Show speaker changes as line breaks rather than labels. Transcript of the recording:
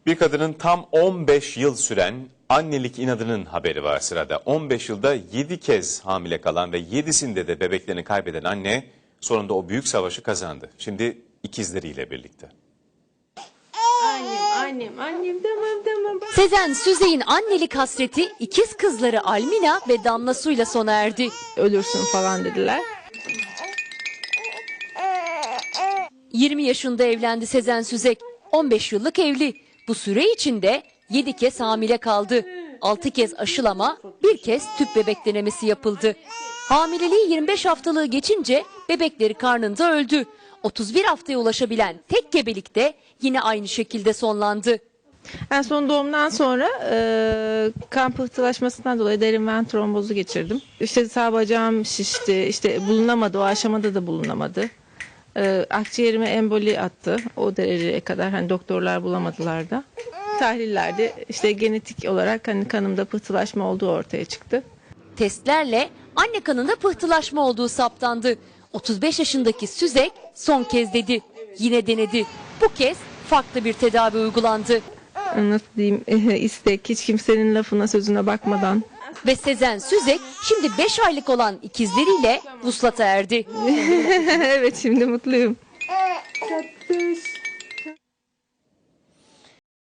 Bir kadının tam 15 yıl süren annelik inadının haberi var sırada. 15 yılda 7 kez hamile kalan ve 7'sinde de bebeklerini kaybeden anne sonunda o büyük savaşı kazandı. Şimdi ikizleriyle birlikte.
Annem tamam.
Sezen Süzey'in annelik hasreti ikiz kızları Almina ve Damla Su'yla sona erdi.
Ölürsün falan dediler.
20 yaşında evlendi Sezen Süzek. 15 yıllık evli. Bu süre içinde 7 kez hamile kaldı. 6 kez aşılama, 1 kez tüp bebek denemesi yapıldı. Hamileliği 25 haftalığı geçince bebekleri karnında öldü. 31 haftaya ulaşabilen tek gebelik de yine aynı şekilde sonlandı.
En son doğumdan sonra kan pıhtılaşmasından dolayı derin ven trombozu geçirdim. İşte sağ bacağım şişti, işte bulunamadı, o aşamada da bulunamadı. Akciğerime emboli attı, o dereceye kadar hani doktorlar bulamadılar da. Tahlillerde işte genetik olarak hani kanımda pıhtılaşma olduğu ortaya çıktı.
Testlerle anne kanında pıhtılaşma olduğu saptandı. 35 yaşındaki Süzek son kez dedi. Yine denedi. Bu kez farklı bir tedavi uygulandı.
Nasıl diyeyim, istek, hiç kimsenin lafına sözüne bakmadan.
Ve Sezen Süzek şimdi 5 aylık olan ikizleriyle vuslata erdi.
Evet, şimdi mutluyum.
Tatlış.